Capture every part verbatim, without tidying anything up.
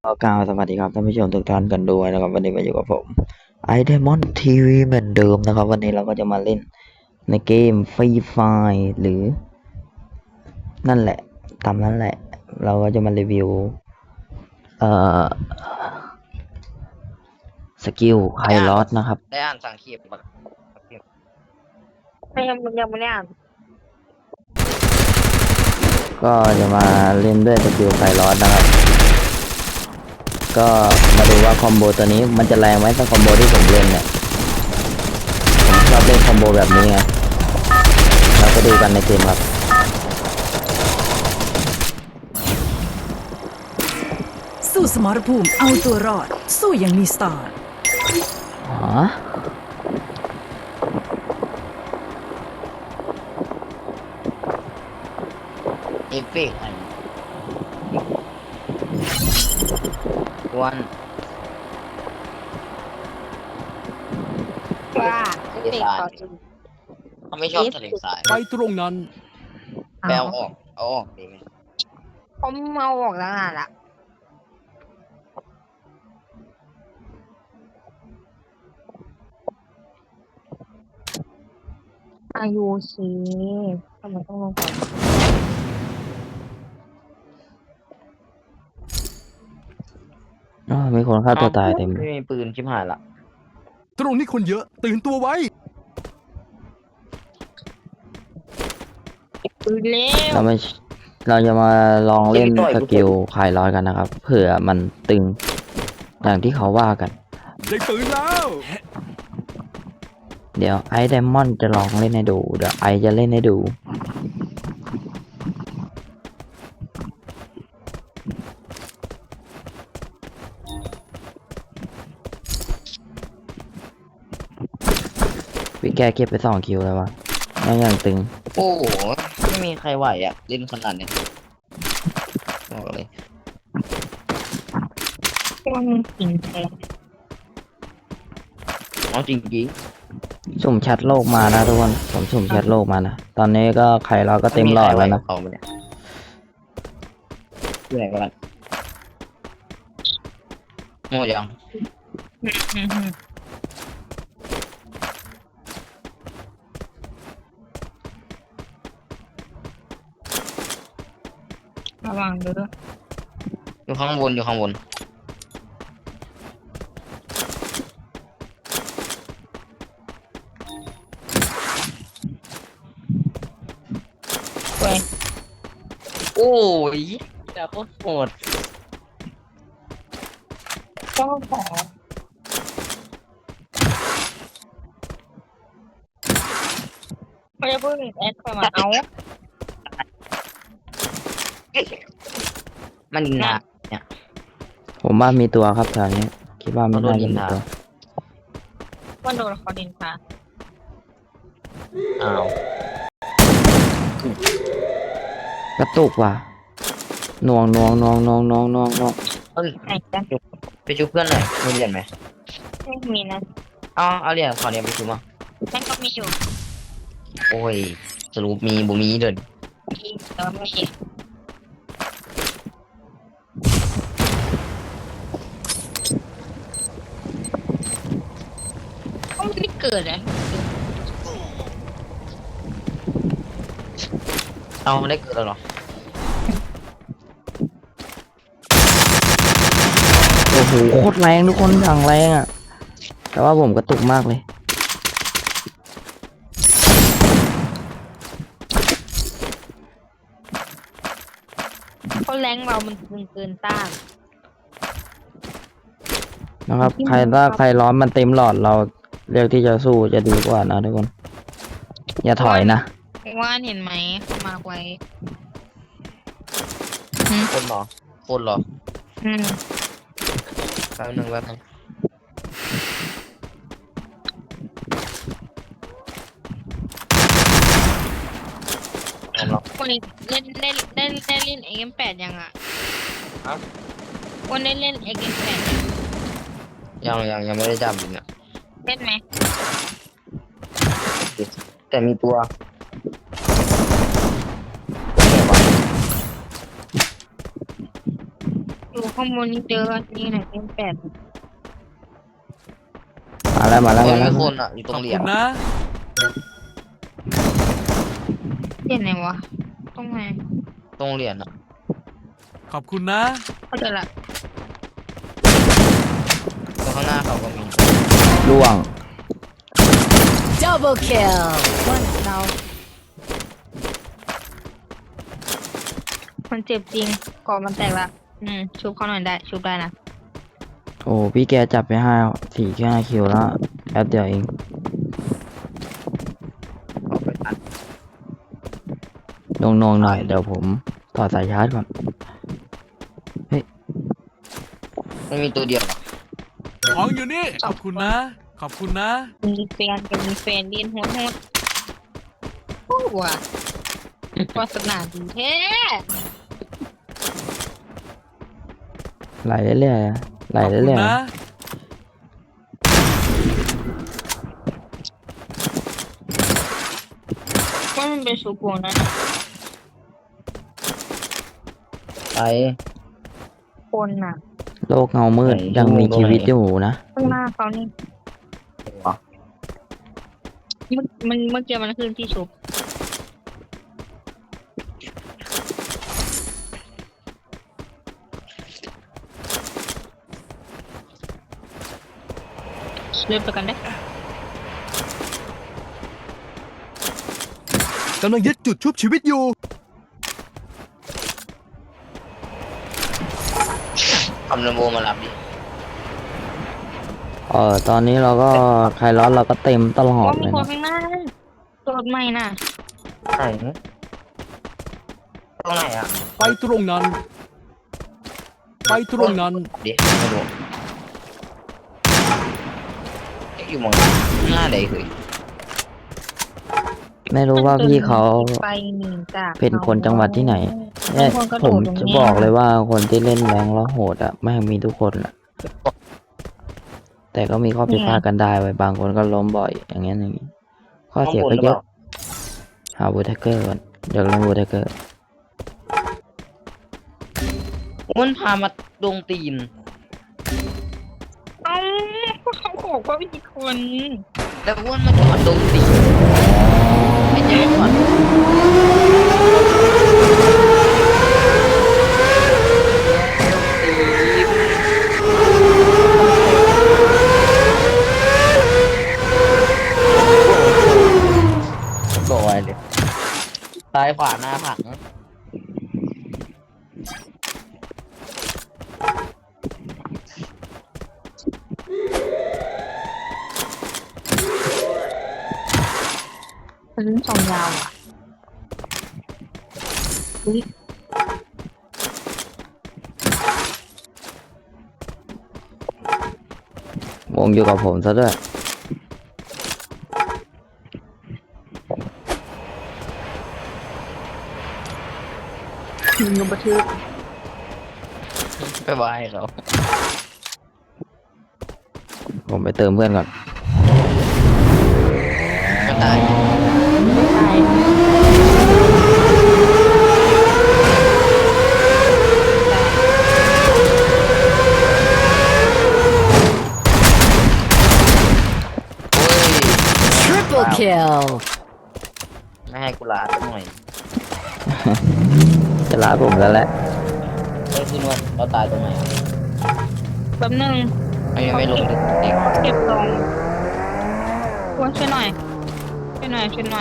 ก็กล่าวสวัสดีครับท่านผู้ชมทุกท่านกันด้วยนะครับวันนี้มาอยู่กับผมไอเดมอนทีวีเหมือนเดิมนะครับวันนี้เราก็จะมาเล่นในเกมฟรีไฟหรือนั่นแหละตามนั้นแหละเราก็จะมารีวิวเอ่อสกิลไฮลอสนะครับได้อ่านสังเขปปะไม่ยังยังไม่ได้อ่านก็จะมาเล่นด้วยสกิลไฮลอสนะครับก็มาดูว่าคอมโบตัวนี้มันจะแรงไหมถ้าคอมโบที่ผมเล่นเนี่ยผมชอบเล่นคอมโบแบบนี้ไงเราก็ดูกันในเกมครับสู้สมรภูมิเอาตัวรอดสู้อย่างมีสไตล์อ๋อเอฟเฟกต์อันวันว่าเด็กต่อจริงเขาไม่ชอบทะเลทรายไปตรงนั้นแปลออกเอาออกดีไหมผมเมาออกแล้วน่ะละอายุชีทำไมต้องลงก่อนอ๋อมีคนฆ่าตัวตายเต็มเลไม่ยมีปืนชิบหายละตรงนี้คนเยอะตื่นตัวไว้ปืนเร็วเราไม่เราจะมาลองเล่นสกิลคลายร้อนกันนะครับเผื่อมันตึงอย่างที่เขาว่ากันได้ปืนแล้วเดี๋ยวไอไดมอนด์จะลองเล่นให้ดูเดี๋ยวไอจะเล่นให้ดูพี่แกเก็บไปสองคิวแล้ววะไม่ยังตึงโอ้โหไม่มีใครไหวอ่ะเล่นขนาดเนี้ยบอกเลยมันจริงแท้เอาจริงจริงสุ่มแชทโลกมานะทุกคนผมสุ่มแชทโลกมานะตอนนี้ก็ไข่เราก็เต็มหลอดแล้วนะเขาเนี่ยเหนื่อยกันหมดยังระวังเด้ออยู่ข้างบนอยู่ข้างบนเว้ยโอ้ยแต่โคตรโหดต้องขอไม่ได้พูดถึงแอดเข้ามาเอามันหนักเนี่ยผมว่ามีตัวครับแถวนี้คิดว่าไม่น่าจะมีตัววันโดนเขาดินค่ะอ้าวกระตุกว่ะหน่วงหน่วงหน่วงหน่วงหน่วงหน่วงหน่วงเฮ้ยไหนจ้ะไปชุบเพื่อนหน่อยมีเหรียญไหมไม่มีนะเอาเอาเหรียญขอเหรียญไปชุบมานั่นก็มีอยู่โอ้ยสรุปมีบุมีเดินที่แต่ว่าไม่เห็นเขาไม่ได้เกิดเลยเอาได้เกิดแล้วเหรอโอ้โหโคตรแรงทุกคนอย่างแรงอ่ะแต่ว่าผมกระตุกมากเลยเขาแรงเรามันเกินเกินต้านนะครับใครถ้าใครร้อนมันเต็มหลอดเราเลือกที่จะสู้จะดีกว่านะทุกคน อย่าถอยนะว่าเห็นไหมเขามาไว้คนเหรอคนเหรออืมแป๊บนึงแป๊บนึงเอาหรอกวันนี้เล่นเล่นเล่นเล่นเล่นเอ็มแปดยังอ่ะครับวันนี้เล่นเอ็มแปดยังยังยังยังไม่ได้จับอยู่เนี่ยเล่นไหมแต่มีตัวข้างบนนี้เจออันนี้ไหนเป็นแปดมาแล้วมาแล้วเฮ้มาย แล้วมีคนอ่ะอยู่ตขรอง บเหรียคุญณนะเห็นไหนวะตรงไหนตรงเหรียญอ่ะขอบคุณนะเขาเจอละตรงข้างหน้าเขาก็มีล่วง Double kill ว่าเรามันเจ็บจริงก่อนมันแตกละอืมชุบเขาหน่อยได้ชุบได้นะโอ้พี่แกจับไปห้าสี่แค่ห้าคิวแล้วแป๊บเดียวเองเอาไปตัดนงนงๆหน่อยเดี๋ยวผมถอดสายชาร์จก่อนไม่มีตัวเดียวหรอของอยู่นี่ ขอบคุณนะ ขอบคุณนะมีแฟนกับมีแฟนเรียนโหดโหดโอ้ว่ะวาสนาดีแท้ไหลเรื่อยๆนะไหลขอบคุเรื่ณอยนะว่ามันเป็นชูโกงนะไปคนน่ะๆโลกเงามืดไหนยังมีดูชีวิตตรงไหนอยู่นะข้างหน้าเขานี่วะเมื่อมันเมื่อกี้มันคือที่ชุบเริ่มไปกันได้กำลังยึดจุดชุบชีวิตอยู่ทำลำโบมารับดิเออตอนนี้เราก็ใครร้อนเราก็เต็มตลอดว่าเลมียคนนะข้างหน้าตัวรถใหม่น่ะไหนตรงไหนอ่ะไปตรงนั้น ไปตรงนั้นดิไม่รู้เอ๊ะอยู่หมองหน้าใดคือไม่รู้ว่าพี่เขาไปหนีจากเป็นคนจังหวัดที่ไหนเนี่ยบางคนก็ผมโดดตรงจะนี้บอกเลยว่าคนที่เล่นแรงแล้วโหดอ่ะไม่งมีทุกคนอ่ะ แต่ก็มีข้อผิดพลาดกันได้ไว้ยบางคนก็ล้มบ่อย อย่างเงี้ยอย่างงี้ ข้อเสียก็เยอะ หาบูทเกอร์ก่อนเดี๋ยวเล่นบูทเกอร์มันพามาดงตีนเอ้าเขาบอกว่ามีคนแล้วอ้วนมาจอดดงตีนไม่ใช่ก่อนบอกไว้เลยซ้ายขวาหน้าผังเป็นสองยาวอ่ะอุ๊ยวงอยู่กับผมซะด้วยยิงลงบันทึกไปบายเขาผมไปเติมเพื่อนก่อนก็ตายใช่โอ้ย Triple kill ไม่ให้กูลาสักหน่อยจะลาผมแล้วแหละเฮ้ยคุณวันเราตายตรงไหนอะแป๊บนึงมันยังไม่ลงดึกเด็กเก็บตรงควรช่วยหน่อยช่วยหน่อยช่วยหน่อย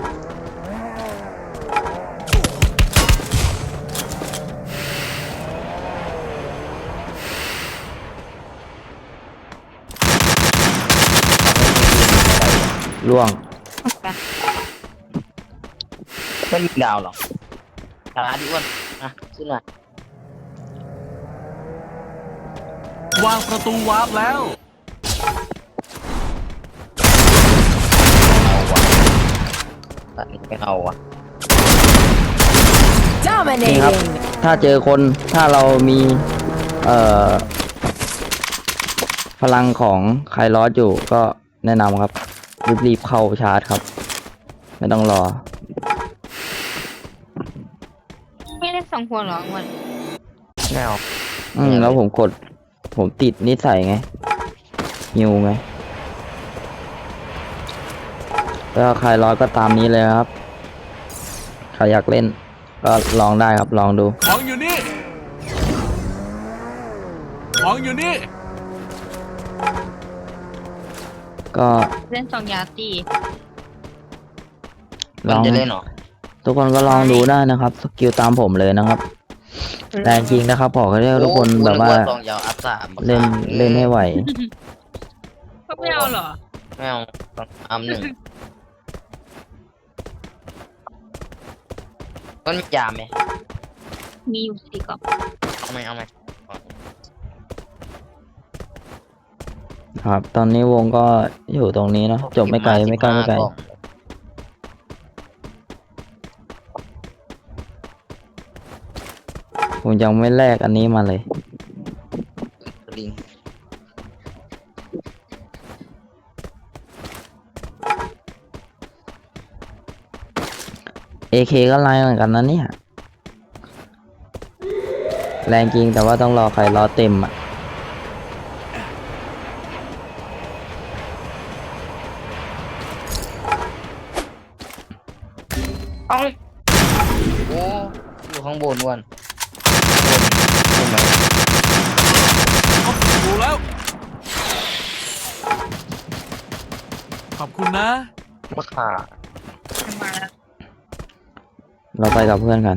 ล่วงเอาไปไม่มีดาวหรอกตาดิอ้วนอ่ะขึ้นมาวางประตูวาร์ปแล้วตัดนี้ไม่เอาอ่ะนี่ครับ Dominating ถ้าเจอคนถ้าเรามี เอ่อ พลังของไคลอสอยู่ก็แนะนำครับ รีบๆเข้าชาร์จครับ ไม่ต้องรอไม่ได้สองคนเหรอวันไม่เอาอืมแล้วผมกด ผมติดนิสัยไงหิวไงแล้วใครร้อยก็ตามนี้เลยครับใครอยากเล่น ก็ลองได้ครับลองดูของอยู่นี่ ของอยู่นี่ก็เล่นสองยาตีลมันองจะเล่นเหรอทุกคนก็ลองดูได้นะครับ สกิลตามผมเลยนะครับแรงจริงนะครับบอกให้ทุกคนโอ้แบบว่านึกซองยาวอัพสามเล่นเล่นให้ไหวก็ไม่เอาเหรอไม่เอาต้องอัพหนึ่งต้นมียามไหมมีอยู่สี่กล่องเอาไหมเอาไหมครับ ตอนนี้วงก็อยู่ตรงนี้เนาะจบไม่ไกลไม่ไกลไม่ไกล ผมยังไม่แลกอันนี้มาเลยลิงเอ เค ก็ไล่เหมือนกันนะเนี่ย แรงจริงแต่ว่าต้องรอใครรอเต็มอ่ะเอ้าโอ้อยู่ข้างบนวันบนไหมดูแล้ว ขอบคุณนะมะขามาแล้วเราไปกับเพื่อนกัน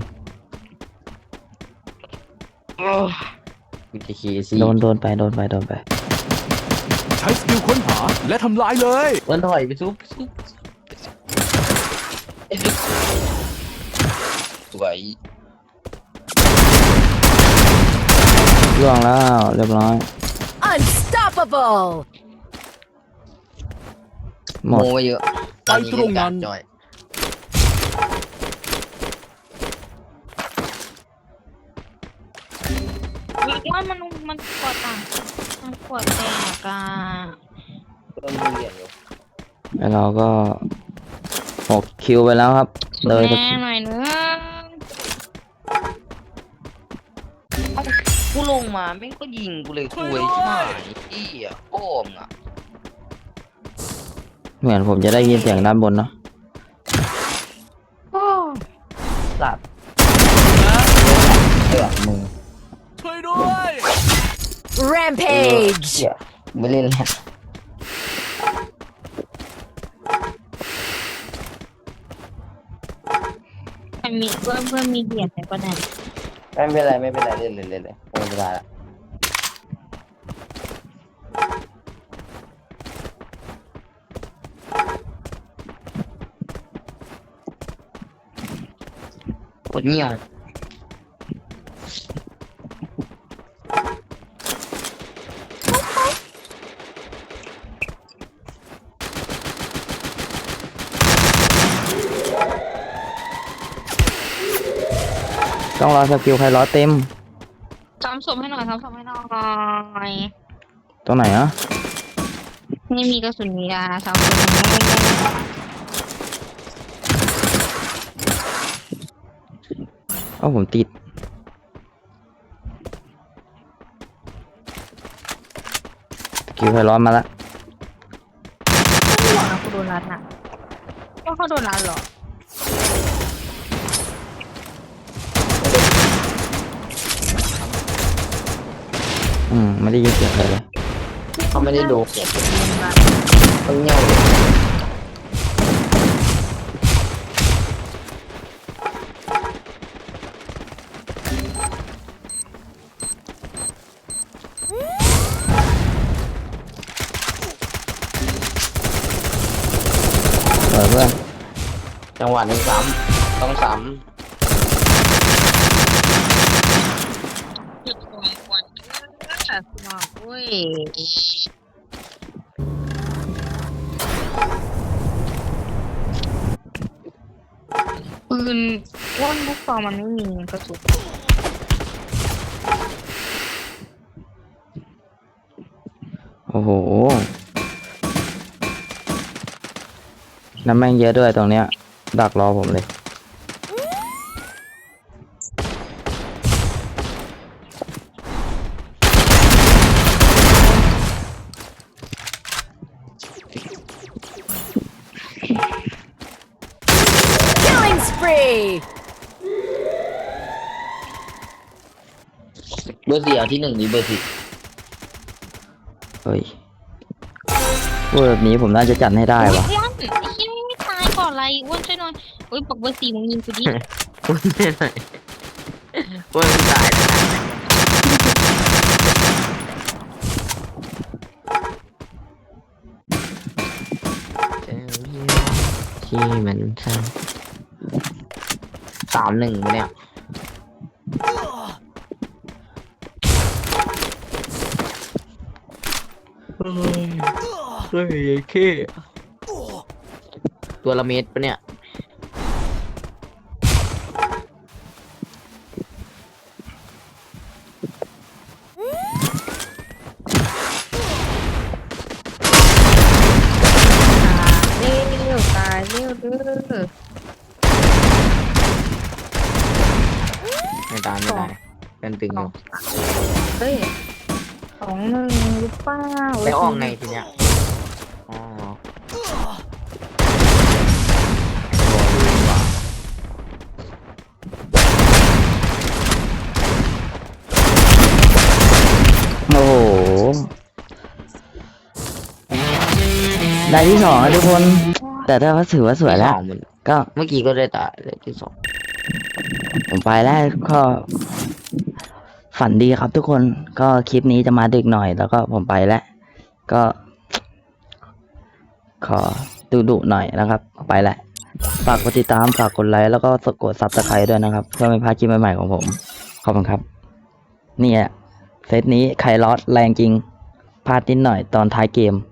วิธีคีซีโดนโดนไปโดนไปโดนไปใช้สกิลค้นหาและทำลายเลยวันถอยไปซุปซุปสวยล่วงแล้วเรียบร้อย Unstoppable หมโมดไปเยอะไปตรงนั้นจอยว่ามันมันปวดต่างมันปวดแตกอ่ะเพิ่มมีเหรียญอยู่แล้วเราก็หกคิวไปแล้วครับ เลยแม่หน่อยนึงกูลงมาแม่งก็ยิงกูเลยคุยใช่ไหมอี้อ่ะโอ้มอ่ะเหมือนผมจะได้ยินเสียงด้านบนเนาะสัตว์เดือดมึงช่วยด้วย Rampage เหี้ยไม่เล่นแล้วมันมีเพื่อนเพื่อนมีเหรียญแต่ก็ได้ไม่เป็นไรไม่เป็นไรเล่นเลยเล่นเลยไม่เป็นไรละกดเงียบต้องรอสกิลใครรอเต็มซ้ำศพให้หน่อยซ้ำศพให้หน่อยตรงไหนอะไม่มีกระสุนยาซ้ำศพให้หน่อยเอ้าผมติดสกิลใครร้อนมาละไม่หวังนะกูโดนรัดน่ะว่าเขาโดนรัดเหรออืมไม่ได้ยินเสียงใครเลยเขาไม่ได้ดูเก็บเป็นเงินรัดเขาเงียบเลยเปิดเพื่อนจังหวะนี้ซ้ำต้องซ้จุดควรควรแต่สมองอุ้ยปืนว่านลูกซองมันไม่มีกระสุนโอ้โหน้ำแม่งเยอะด้วยตรงเนี้ย ดักรอผมเลยเ spree เบอร์สี่เอาที่หนึ่งดีเบอร์สี่เฮ้ยพูดแบบนี้ผมน่าจะจัดให้ได้วะอ้วนไอ้เหี้ยไม่ตายก่อนอะไรอ้วนช่วยหน่อยเฮ้ยปักเบอร์สี่มึงยิงกูดิพูดไม่ไหนพูดไม่ตายแล้วที่มันซ้ำสามหนึ่งปะเนี่ยเฮ้ยเคตัวละเม็ดปะเนี่ยเร็วตายเร็วเด้อไม่ตายไม่ตายเป็นตึงอยู่เฮ้ยสองหนึ่งหรือเปล่าแล้วออกไงทีเนี้ยอ๋อโอ้โห ได้ที่สองแล้วทุกคน แต่ถ้าว่าถือว่าสวยแล้วที่สองมันก็เมื่อกี้ก็ได้ตายเลยที่สองผมไปแล้วก็ฝันดีครับทุกคนก็คลิปนี้จะมาดึกหน่อยแล้วก็ผมไปแล้ว ก็ ขอดุดุๆหน่อยนะครับ ไปแล้วฝากกดติดตามฝากกดไลค์แล้วก็กดซับสไครต์ด้วยนะครับ เพื่อไม่พลาดคลิปใหม่ๆของผม ขอบคุณครับ เนี่ยเซตนี้ไคลอสแรงจริงพลาดนิดหน่อยตอนท้ายเกม